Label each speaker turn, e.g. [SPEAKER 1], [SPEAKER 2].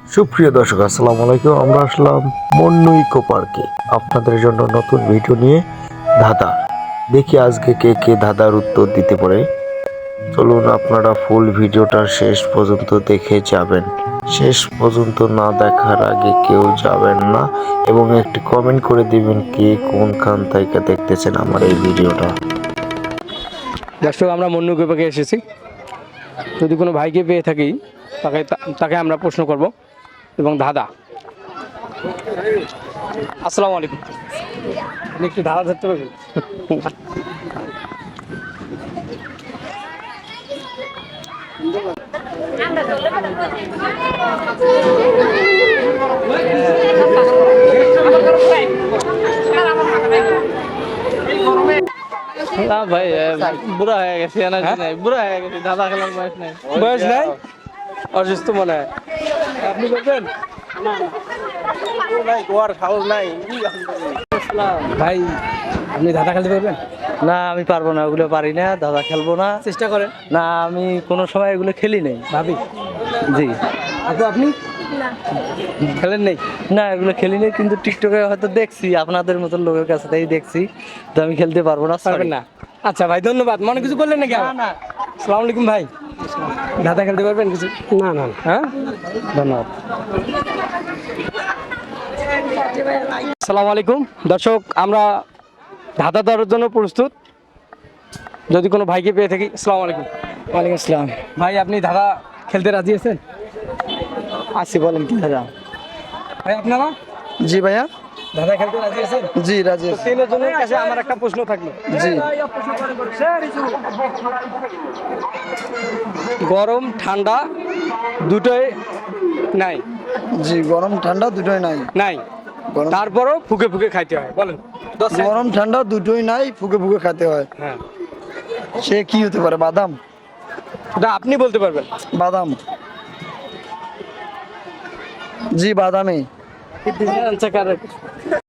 [SPEAKER 1] সুপ্রিয় দর্শক আসসালামু আলাইকুম। আমরা আসলাম মন্নু ইকো পার্কে আপনাদের জন্য নতুন ভিডিও নিয়ে। ধাঁধা দেখি আজকে কে কে ধাঁধার উত্তর দিতে পারে। চলুন আপনারা ফুল ভিডিওটা শেষ পর্যন্ত দেখে যাবেন। শেষ পর্যন্ত না দেখার আগে কেউ যাবেন না এবং একটি কমেন্ট করে দিবেন কে কোনখান থেকে দেখতেছেন আমার এই ভিডিওটা।
[SPEAKER 2] দর্শক, আমরা মন্নু ইকো পার্কে এসেছি। যদি কোনো ভাইকে পেয়ে থাকি তাকে আমরা প্রশ্ন করব এবং ধাঁধা। আসসালামু আলাইকুম, আপনি একটু ধাঁধা ধরতে পারবেন?
[SPEAKER 3] না ভাই, বুড়া হয়ে গেছে, এনার্জি নাই, বুড়া হয়ে গেছে, দাদা খেলার বয়স নাই।
[SPEAKER 2] বয়স নাই, অসুস্থ মনে হয়। আপনি বলবেন? ভাই, আপনি ধাঁধা খেলতে পারবেন?
[SPEAKER 3] না, আমি পারবো না, ওগুলো পারি না, দাদা খেলবো না।
[SPEAKER 2] চেষ্টা করেন।
[SPEAKER 3] না, আমি কোনো সময় এগুলো খেলি নাই।
[SPEAKER 2] ভাবি,
[SPEAKER 3] জি
[SPEAKER 2] আপনি খেলেন নেই?
[SPEAKER 3] না, এগুলো খেলি নাই, কিন্তু টিকটকে হয়তো দেখছি আপনাদের মতো লোকের কাছে, তাই দেখছি। তো আমি খেলতে পারবো না,
[SPEAKER 2] পারবেন না? আচ্ছা ভাই, ধন্যবাদ। মনে কিছু করলেন নাকি?
[SPEAKER 3] না।
[SPEAKER 2] আসসালামু আলাইকুম ভাই, ধাঁধা খেলতে পারবেন কিছু? না না। হ্যাঁ, ধন্যবাদ। আসসালামু আলাইকুম দর্শক, আমরা ধাঁধা দেওয়ার জন্য প্রস্তুত। যদি কোনো ভাইকে পেয়ে থাকি। আসসালামু আলাইকুম।
[SPEAKER 3] ওয়ালাইকুম আসসালাম।
[SPEAKER 2] ভাই, আপনি ধাঁধা খেলতে রাজি আছেন?
[SPEAKER 3] আসি, বলেন কি দাদা?
[SPEAKER 2] ভাই, আপনারা
[SPEAKER 3] জি ভাইয়া।
[SPEAKER 2] ধাঁধা খেলতে রাজি আছেন?
[SPEAKER 3] জি রাজি।
[SPEAKER 2] তো তিনজনের কাছে আমার একটা প্রশ্ন থাকলো।
[SPEAKER 3] জি।
[SPEAKER 2] গরম ঠান্ডা দুটোই নাই।
[SPEAKER 3] জি, গরম ঠান্ডা দুটোই নাই।
[SPEAKER 2] নাই, তারপরও ফুকে ফুকে খাইতে হয়। বলেন।
[SPEAKER 3] গরম ঠান্ডা দুটোই নাই, ফুকে ফুকে খেতে হয়।
[SPEAKER 2] হ্যাঁ,
[SPEAKER 3] সে কি হতে পারে? বাদাম।
[SPEAKER 2] এটা আপনি বলতে পারবেন।
[SPEAKER 3] বাদাম। জি, বাদামই।